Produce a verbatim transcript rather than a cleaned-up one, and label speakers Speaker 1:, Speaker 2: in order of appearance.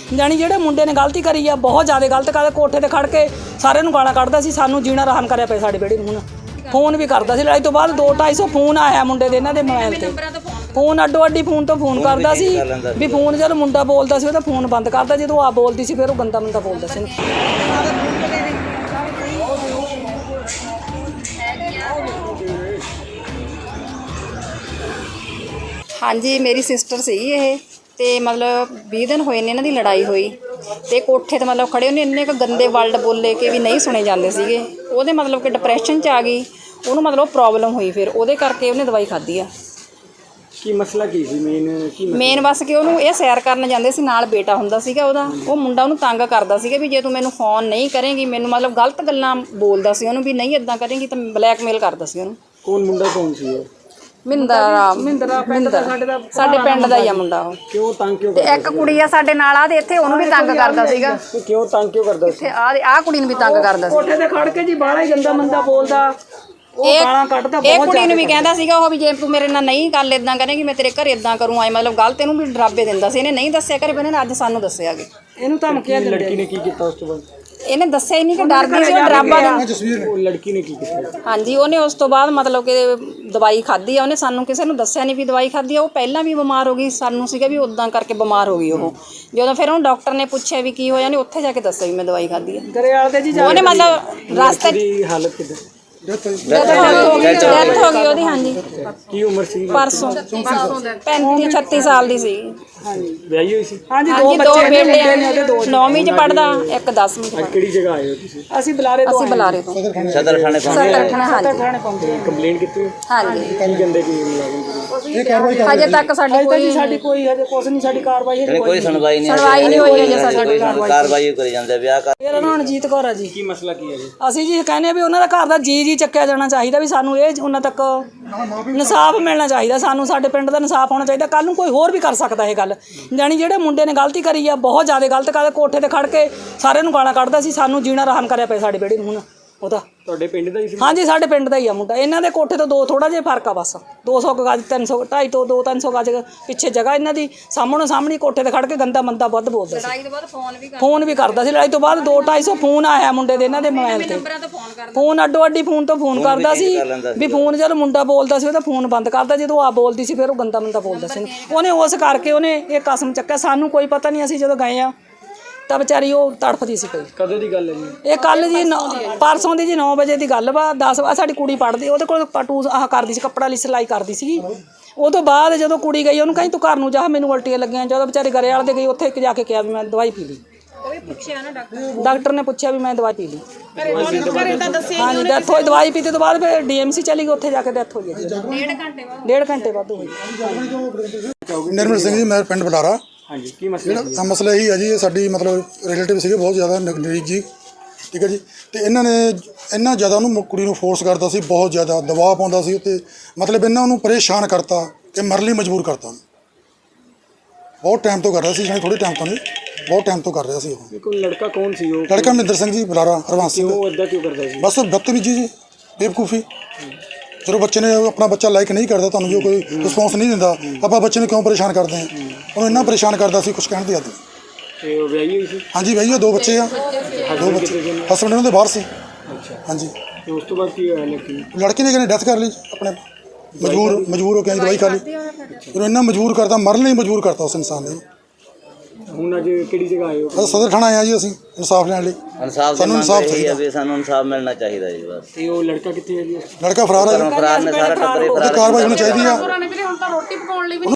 Speaker 1: ਜਾਣੀ ਜਿਹੜੇ ਮੁੰਡੇ ਨੇ ਗਲਤੀ ਕਰੀ ਆ ਬਹੁਤ ਜ਼ਿਆਦਾ ਗਲਤ ਕਰਦਾ। ਕੋਠੇ ਤੇ ਖੜ ਕੇ ਸਾਰਿਆਂ ਨੂੰ ਗਾਲਾਂ ਕੱਢਦਾ ਸੀ, ਸਾਨੂੰ ਜੀਣਾ ਆਰਾਮ ਕਰਿਆ ਪਿਆ ਸਾਡੇ ਵਿਹੜੇ ਨੂੰ। ਹੁਣ ਫੋਨ ਵੀ ਕਰਦਾ ਸੀ, ਲੜਾਈ ਤੋਂ ਬਾਅਦ ਦੋ ਢਾਈ ਸੌ ਫੋਨ ਆਇਆ ਮੁੰਡੇ ਦੇ ਇਹਨਾਂ ਦੇ ਮੋਬਾਈਲ ਤੇ। ਫੋਨ ਅੱਡੋ ਅੱਡੀ ਫੋਨ ਤੋਂ ਫੋਨ ਕਰਦਾ ਸੀ ਵੀ ਫੋਨ ਜਦੋਂ ਮੁੰਡਾ ਬੋਲਦਾ ਸੀ ਉਹਦਾ ਫੋਨ ਬੰਦ ਕਰਦਾ, ਜਦੋਂ ਆ ਬੋਲਦੀ ਸੀ ਫਿਰ ਉਹ ਗੰਦਾ ਮੰਦਾ ਬੋਲਦਾ ਸੀ।
Speaker 2: ਹਾਂਜੀ, ਮੇਰੀ ਸਿਸਟਰ ਸੀਗੀ ਇਹ, ਤੇ ਮਤਲਬ ਵੀਹ ਦਿਨ ਹੋਏ ਨੇ ਇਹਨਾਂ ਦੀ ਲੜਾਈ ਹੋਈ, ਤੇ ਕੋਠੇ ਤੇ ਮਤਲਬ ਖੜੇ ਉਹਨੇ ਇੰਨੇ ਕੁ ਗੰਦੇ ਵਰਡ ਬੋਲੇ ਕਿ ਵੀ ਨਹੀਂ ਸੁਣੇ ਜਾਂਦੇ ਸੀਗੇ। ਉਹਦੇ ਮਤਲਬ ਕਿ ਡਿਪਰੈਸ਼ਨ 'ਚ ਆ ਗਈ, ਉਹਨੂੰ ਮਤਲਬ ਪ੍ਰੋਬਲਮ ਹੋਈ, ਫਿਰ ਉਹਦੇ ਕਰਕੇ ਉਹਨੇ ਦਵਾਈ ਖਾਧੀ ਆ।
Speaker 3: ਕੀ ਮਸਲਾ ਕੀ ਸੀ ਮੇਨ? ਕੀ
Speaker 2: ਮੇਨ ਬਸ ਕਿ ਉਹਨੂੰ ਇਹ ਸੈਰ ਕਰਨ ਜਾਂਦੇ ਸੀ, ਨਾਲ ਬੇਟਾ ਹੁੰਦਾ ਸੀਗਾ ਉਹਦਾ। ਉਹ ਮੁੰਡਾ ਉਹਨੂੰ ਤੰਗ ਕਰਦਾ ਸੀਗਾ ਵੀ ਜੇ ਤੂੰ ਮੈਨੂੰ ਫੋਨ ਨਹੀਂ ਕਰੇਂਗੀ, ਮੈਨੂੰ ਮਤਲਬ ਗਲਤ ਗੱਲਾਂ ਬੋਲਦਾ ਸੀ ਉਹਨੂੰ ਵੀ ਨਹੀਂ ਇੱਦਾਂ ਕਰੇਂਗੀ, ਤਾਂ ਬਲੈਕਮੇਲ ਕਰਦਾ ਸੀ ਉਹਨੂੰ।
Speaker 3: ਕੌਣ ਮੁੰਡਾ ਕੌਣ ਸੀ ਉਹ?
Speaker 2: ਮਿੰਦਰਾ
Speaker 1: ਮਿੰਦਰਾ ਪਿੰਡ ਦਾ ਸਾਡੇ ਦਾ
Speaker 2: ਸਾਡੇ ਪਿੰਡ ਦਾ ਹੀ ਆ ਮੁੰਡਾ ਉਹ।
Speaker 3: ਕਿਉਂ ਤੰਗ ਕਿਉਂ
Speaker 2: ਤੇ ਇੱਕ ਕੁੜੀ ਆ ਸਾਡੇ ਨਾਲ ਆ, ਤੇ ਇੱਥੇ ਉਹਨੂੰ ਵੀ ਤੰਗ ਕਰਦਾ ਸੀਗਾ।
Speaker 3: ਕਰਦਾ? ਕਿਉਂ ਤੰਗ ਕਿਉਂ ਕਰਦਾ ਸੀ?
Speaker 2: ਇੱਥੇ ਆ ਆ ਕੁੜੀ ਨੂੰ ਵੀ ਤੰਗ ਕਰਦਾ ਸੀ।
Speaker 1: ਕੋਠੇ ਤੇ ਖੜ ਕੇ ਜੀ ਬਾਹਲਾ ਹੀ ਗੰਦਾ ਮੰਦਾ ਬੋਲਦਾ, ਉਹ ਗਾਲਾਂ ਕੱਢਦਾ
Speaker 2: ਇਹ
Speaker 1: ਬਹੁਤ।
Speaker 2: ਕੁੜੀ ਨੂੰ ਵੀ ਕਹਿੰਦਾ ਸੀਗਾ ਉਹ ਵੀ ਜੇ ਤੂੰ ਮੇਰੇ ਨਾਲ ਨਹੀਂ ਗੱਲ ਇਦਾਂ ਕਰੇਂਗੀ ਮੈਂ ਤੇਰੇ ਘਰ ਇਦਾਂ ਕਰੂੰ ਆਏ, ਮਤਲਬ ਗਲਤ ਇਹਨੂੰ ਵੀ ਡਰਾਬੇ ਦਿੰਦਾ ਸੀ। ਇਹਨੇ ਨਹੀਂ ਦੱਸਿਆ ਘਰੇ, ਪਰ ਇਹਨੇ ਅੱਜ ਸਾਨੂੰ ਦੱਸਿਆ ਕਿ
Speaker 1: ਇਹਨੂੰ ਧਮਕੀਆਂ ਦਿੰਦੇ।
Speaker 3: ਲੜਕੀ ਨੇ ਕੀ ਕੀਤਾ ਉਸ ਤੋਂ ਬਾਅਦ?
Speaker 2: ਇਹਨੇ ਦੱਸਿਆ ਹੀ ਨਹੀਂ ਕਿ ਡਰਦੀ ਸੀ, ਉਹ ਡਰਾਬਾ ਦਿੰਦਾ।
Speaker 3: ਉਹ ਲੜਕੀ ਨੇ ਕੀ ਕੀਤਾ?
Speaker 2: ਹਾਂਜੀ, ਉਹਨੇ ਉਸ ਤੋਂ ਬਾਅਦ ਮਤਲਬ ਕਿ ਦਵਾਈ ਖਾਧੀ ਆ। ਉਹਨੇ ਸਾਨੂੰ ਕਿਸੇ ਨੂੰ ਦੱਸਿਆ ਨਹੀਂ ਵੀ ਦਵਾਈ ਖਾਧੀ ਆ। ਉਹ ਪਹਿਲਾਂ ਵੀ ਬਿਮਾਰ ਹੋ ਗਈ, ਸਾਨੂੰ ਸੀਗਾ ਵੀ ਉਦਾਂ ਕਰਕੇ ਬਿਮਾਰ ਹੋ ਗਈ ਉਹ। ਜਦੋਂ ਫਿਰ ਉਹਨੂੰ ਡਾਕਟਰ ਨੇ ਪੁੱਛਿਆ ਵੀ ਕੀ ਹੋਇਆ, ਉਹਨੇ ਉੱਥੇ ਜਾ ਕੇ ਦੱਸਿਆ ਵੀ ਮੈਂ ਦਵਾਈ ਖਾਧੀ ਆ।
Speaker 1: ਗਰੇਵਾਲ ਦੇ ਜੀ
Speaker 2: ਉਹਨੇ ਮਤਲਬ ਰਸਤੇ
Speaker 3: ਦੀ ਹਾਲਤ ਕਿੱਦਾਂ?
Speaker 2: ਡੈਥ ਹੋ ਗਈ ਉਹਦੀ। ਹਾਂਜੀ,
Speaker 3: ਕੀ ਉਮਰ ਸੀ?
Speaker 2: ਪਰਸੋਂ ਪੈਂਤੀ ਛੱਤੀ ਸਾਲ ਦੀ ਸੀ।
Speaker 3: ਵਿਆਹੀ ਹੋਈ ਸੀ?
Speaker 1: ਹਾਂਜੀ,
Speaker 2: ਹਾਂਜੀ, ਦੋ ਬੇਟੇ ਆ, ਨੌਵੀਂ ਚ ਪੜਦਾ, ਇੱਕ ਦਸਵੀਂ ਚ ਪੜਦਾ।
Speaker 3: ਕਿਹੜੀ ਜਗ੍ਹਾ ਆਏ ਹੋ ਤੁਸੀਂ?
Speaker 1: ਅਸੀਂ ਬੁਲਾਰੇ ਤੋਂ
Speaker 2: ਅਸੀਂ ਬੁਲਾਰੇ ਤੋਂ
Speaker 4: ਸਦਰ ਥਾਣੇ
Speaker 2: ਸਦਰ ਥਾਣੇ। ਹਾਂਜੀ
Speaker 1: ਥਾਣੇ ਪਹੁੰਚੇ।
Speaker 3: ਕੰਪਲੇਂਟ ਕੀਤੀ?
Speaker 2: ਹਾਂਜੀ,
Speaker 3: ਕੀ ਕਹਿੰਦੇ ਕੀ ਮੁਲਾਜ਼ਮ?
Speaker 2: ਹਜੇ ਤੱਕ ਸਾਡੀ ਕੋਈ
Speaker 1: ਸਾਡੀ ਕੋਈ ਹਜੇ ਕੁਛ ਨਹੀਂ, ਸਾਡੀ ਕਾਰਵਾਈ ਹਜੇ
Speaker 4: ਕੋਈ ਸੁਣਵਾਈ ਨਹੀਂ
Speaker 2: ਸੁਣਵਾਈ ਨਹੀਂ ਹੋਈ ਹਜੇ ਸਾਡੀ।
Speaker 4: ਕਾਰਵਾਈ ਕਰੀ ਜਾਂਦੇ ਵਿਆਹ ਕਰ।
Speaker 1: ਮੇਰਾ ਨਾਮ ਰਣਜੀਤ ਕੌਰ ਆ ਜੀ।
Speaker 3: ਕੀ ਮਸਲਾ ਕੀ ਹੈ ਜੀ?
Speaker 1: ਅਸੀਂ ਜੀ ਕਹਿੰਦੇ ਆ ਵੀ ਉਹਨਾਂ ਦਾ ਘਰ ਦਾ ਜੀ ਜੀ ਚੱਕਿਆ ਜਾਣਾ ਚਾਹੀਦਾ, ਵੀ ਸਾਨੂੰ ਇਹ ਉਹਨਾਂ ਤੱਕ ਇਨਸਾਫ ਮਿਲਣਾ ਚਾਹੀਦਾ, ਸਾਨੂੰ ਸਾਡੇ ਪਿੰਡ ਦਾ ਇਨਸਾਫ ਹੋਣਾ ਚਾਹੀਦਾ। ਕੱਲ੍ਹ ਨੂੰ ਕੋਈ ਹੋਰ ਵੀ ਕਰ ਸਕਦਾ ਇਹ ਗੱਲ। ਜਾਣੀ ਜਿਹੜੇ ਮੁੰਡੇ ਨੇ ਗਲਤੀ ਕਰੀ ਆ ਬਹੁਤ ਜ਼ਿਆਦਾ ਗਲਤ ਕਰਦਾ। ਕੋਠੇ ਤੇ ਖੜ ਕੇ ਸਾਰਿਆਂ ਨੂੰ ਗਾਲਾਂ ਕੱਢਦਾ ਸੀ, ਸਾਨੂੰ ਜੀਣਾ ਆਰਾਮ ਕਰਿਆ ਪਿਆ ਸਾਡੇ ਵਿਹੜੇ ਨੂੰ। ਹੁਣ ਉਹਦਾ
Speaker 3: ਤੁਹਾਡੇ ਪਿੰਡ ਦਾ ਹੀ ਸੀ?
Speaker 1: ਹਾਂਜੀ, ਸਾਡੇ ਪਿੰਡ ਦਾ ਹੀ ਆ ਮੁੰਡਾ। ਇਹਨਾਂ ਦੇ ਕੋਠੇ ਤੋਂ ਦੋ ਥੋੜਾ ਜਿਹਾ ਫਰਕ ਆ, ਬਸ ਦੋ ਸੌ ਗਜ, ਤਿੰਨ ਸੌ ਢਾਈ ਤੋਂ ਦੋ ਤਿੰਨ ਸੌ ਗਜ ਪਿੱਛੇ ਜਗ੍ਹਾ ਇਹਨਾਂ ਦੀ। ਸਾਹਮਣੇ ਸਾਹਮਣੇ ਕੋਠੇ ਤੇ ਖੜ ਕੇ ਗੰਦਾ ਮੰਦਾ ਵੱਧ ਬੋਲਦਾ ਸੀ।
Speaker 2: ਲੜਾਈ ਤੋਂ ਬਾਅਦ ਫੋਨ ਵੀ
Speaker 1: ਫੋਨ ਵੀ ਕਰਦਾ ਸੀ, ਲੜਾਈ ਤੋਂ ਬਾਅਦ ਦੋ ਢਾਈ ਸੌ ਫੋਨ ਆਇਆ ਮੁੰਡੇ ਦੇ ਇਹਨਾਂ ਦੇ ਮੋਬਾਈਲ ਤੇ। ਫੋਨ ਅੱਡੋ ਅੱਡੀ ਫੋਨ ਤੋਂ ਫੋਨ ਕਰਦਾ ਸੀ ਵੀ ਫੋਨ ਜਦੋਂ ਮੁੰਡਾ ਬੋਲਦਾ ਸੀ ਉਹਦਾ ਫੋਨ ਬੰਦ ਕਰਦਾ, ਜਦੋਂ ਆ ਬੋਲਦੀ ਸੀ ਫਿਰ ਉਹ ਗੰਦਾ ਮੰਦਾ ਬੋਲਦਾ ਸੀ। ਉਹਨੇ ਉਸ ਕਰਕੇ ਉਹਨੇ ਇਹ ਕਸਮ ਚੱਕਿਆ। ਸਾਨੂੰ ਕੋਈ ਪਤਾ ਨਹੀਂ, ਅਸੀਂ ਜਦੋਂ ਗਏ ਆ ਤਾਂ ਵਿਚਾਰੀ ਉਹ ਤੜਫਦੀ ਸੀ ਪਈ।
Speaker 3: ਕਦੋਂ ਦੀ ਗੱਲ ਹੈ ਜੀ?
Speaker 1: ਇਹ ਕੱਲ ਜੀ ਪਰਸੋਂ ਦੀ ਜੀ ਨੌ ਵਜੇ ਦੀ ਗੱਲ ਵਾ। ਦਸ ਸਾਡੀ ਕੁੜੀ ਪੜ੍ਹਦੀ, ਉਹਦੇ ਕੋਲ ਪਟੂ ਆਹ ਕਰਦੀ ਸੀ, ਕੱਪੜਾ ਲਈ ਸਿਲਾਈ ਕਰਦੀ ਸੀਗੀ। ਉਹ ਤੋਂ ਬਾਅਦ ਜਦੋਂ ਕੁੜੀ ਗਈ ਉਹਨੂੰ ਕਹੀਂ ਤੂੰ ਘਰ ਨੂੰ ਜਾ, ਮੈਨੂੰ ਉਲਟੀਆਂ ਲੱਗੀਆਂ। ਜਦੋਂ ਵਿਚਾਰੇ ਗਰੇਵਾਲ ਦੇ ਗਈ ਉੱਥੇ ਜਾ ਕੇ ਕਿਹਾ ਵੀ ਮੈਂ ਦਵਾਈ ਪੀ ਲਈ। ਡਾਕਟਰ ਨੇ ਪੁੱਛਿਆ ਵੀ ਮੈਂ ਦਵਾਈ ਪੀ ਲਈ। ਹਾਂਜੀ, ਡੈਥ ਹੋਈ। ਦਵਾਈ ਪੀਤੇ ਤੋਂ ਬਾਅਦ ਫਿਰ ਡੀ ਐਮ ਸੀ ਚਲੀ ਗਈ, ਉੱਥੇ ਜਾ ਕੇ ਡੈਥ ਹੋਈ ਹੈ। ਡੇਢ ਘੰਟੇ ਬਾਅਦ ਡੇਢ ਘੰਟੇ ਬਾਅਦ ਹੋਈ।
Speaker 5: ਨਿਰਮਲ ਸਿੰਘ ਜੀ, ਮੈਂ ਪਿੰਡ ਬਟਾਰਾ।
Speaker 3: ਹਾਂਜੀ, ਕੀ ਮਸਲਾ ਸੀ?
Speaker 5: ਮਸਲਾ ਇਹੀ ਹੈ ਜੀ, ਇਹ ਸਾਡੀ ਮਤਲਬ ਰਿਲੇਟਿਵ ਸੀਗੇ ਬਹੁਤ ਜ਼ਿਆਦਾ ਨਜ਼ਦੀਕ ਜੀ, ਠੀਕ ਹੈ ਜੀ। ਤੇ ਇਹਨਾਂ ਨੇ ਇੰਨਾ ਜ਼ਿਆਦਾ ਉਹਨੂੰ ਕੁੜੀ ਨੂੰ ਫੋਰਸ ਕਰਦਾ ਸੀ, ਬਹੁਤ ਜ਼ਿਆਦਾ ਦਬਾਅ ਪਾਉਂਦਾ ਸੀ ਉੱਤੇ। ਮਤਲਬ ਇਹਨਾਂ ਉਹਨੂੰ ਪਰੇਸ਼ਾਨ ਕਰਤਾ ਕਿ ਮਰਨ ਲਈ ਮਜਬੂਰ ਕਰਤਾ। ਬਹੁਤ ਟਾਈਮ ਤੋਂ ਕਰ ਰਿਹਾ ਸੀ, ਜਾਣੀ ਥੋੜ੍ਹੇ ਟਾਈਮ ਤੋਂ ਨਹੀਂ, ਬਹੁਤ ਟਾਈਮ ਤੋਂ ਕਰ ਰਿਹਾ ਸੀ ਉਹ।
Speaker 3: ਕੋਈ ਲੜਕਾ ਕੌਣ ਸੀ ਉਹ?
Speaker 5: ਲੜਕਾ ਮਹਿੰਦਰ ਸਿੰਘ ਜੀ, ਬੁਲਾਰਾ ਹਰਵੰਸ ਸਿੰਘ।
Speaker 3: ਉਹ ਇੱਦਾਂ ਕਿਉਂ ਕਰਦਾ ਸੀ?
Speaker 5: ਬਸ ਬਦਤਮੀਜੀ ਜੀ, ਬੇਵਕੂਫੀ। ਜਦੋਂ ਬੱਚੇ ਨੇ ਆਪਣਾ ਬੱਚਾ ਲਾਈਕ ਨਹੀਂ ਕਰਦਾ, ਤੁਹਾਨੂੰ ਜੋ ਕੋਈ ਰਿਸਪੌਂਸ ਨਹੀਂ ਦਿੰਦਾ, ਆਪਾਂ ਬੱਚੇ ਨੂੰ ਕਿਉਂ ਪਰੇਸ਼ਾਨ ਕਰਦੇ ਹਾਂ? ਉਹਨੂੰ ਇੰਨਾ ਪਰੇਸ਼ਾਨ ਕਰਦਾ ਸੀ, ਕੁਛ ਕਹਿਣ ਦੀ ਹੱਦ ਨਹੀਂ।
Speaker 3: ਤੇ ਉਹ ਵਿਆਹੀ ਹੋਈ ਸੀ?
Speaker 5: ਹਾਂਜੀ, ਵਿਆਹੀ, ਦੋ ਬੱਚੇ ਆ, ਦੋ ਬੱਚੇ। ਹਸਬੈਂਡ ਉਹਨਾਂ ਦੇ ਬਾਹਰ ਸੀ। ਹਾਂਜੀ।
Speaker 3: ਤੇ ਉਸ ਤੋਂ ਬਾਅਦ ਕੀ ਹੋਇਆ ਲੜਕੀ?
Speaker 5: ਲੜਕੀ ਨੇ ਕਹਿੰਦੇ ਡੈਥ ਕਰ ਲਈ ਆਪਣੇ, ਮਜਬੂਰ ਮਜਬੂਰ ਹੋ ਕੇ ਦਵਾਈ ਖਾ ਲਈ। ਉਹਨੂੰ ਇੰਨਾ ਮਜਬੂਰ ਕਰਤਾ, ਮਰਨ ਲਈ ਮਜਬੂਰ ਕਰਤਾ ਉਸ ਇਨਸਾਨ ਨੇ।
Speaker 3: ਹੁਣ ਅੱਜ ਕਿਹੜੀ ਜਗ੍ਹਾ ਆਏ ਹੋ?
Speaker 5: ਸਦਰ ਥਾਣਾ ਆਇਆ ਜੀ ਅਸੀਂ ਇਨਸਾਫ ਲੈਣ ਲਈ।
Speaker 4: ਇਨਸਾਫ
Speaker 5: ਸਾਨੂੰ ਇਨਸਾਫ ਚਾਹੀਦਾ
Speaker 4: ਵੀ, ਸਾਨੂੰ ਇਨਸਾਫ ਮਿਲਣਾ ਚਾਹੀਦਾ ਜੀ ਬਸ।
Speaker 3: ਤੇ ਉਹ ਲੜਕਾ ਕਿੱਥੇ ਹੈ ਜੀ?
Speaker 5: ਲੜਕਾ ਫਰਾਰ ਹੈ ਜੀ,
Speaker 4: ਫਰਾਰ ਨੇ, ਸਾਰਾ ਟੱਬਰ ਹੀ
Speaker 5: ਉਹਦੀ
Speaker 4: ਫਰਾਰ।
Speaker 5: ਕਾਰਵਾਈ ਹੋਣੀ ਚਾਹੀਦੀ ਆ।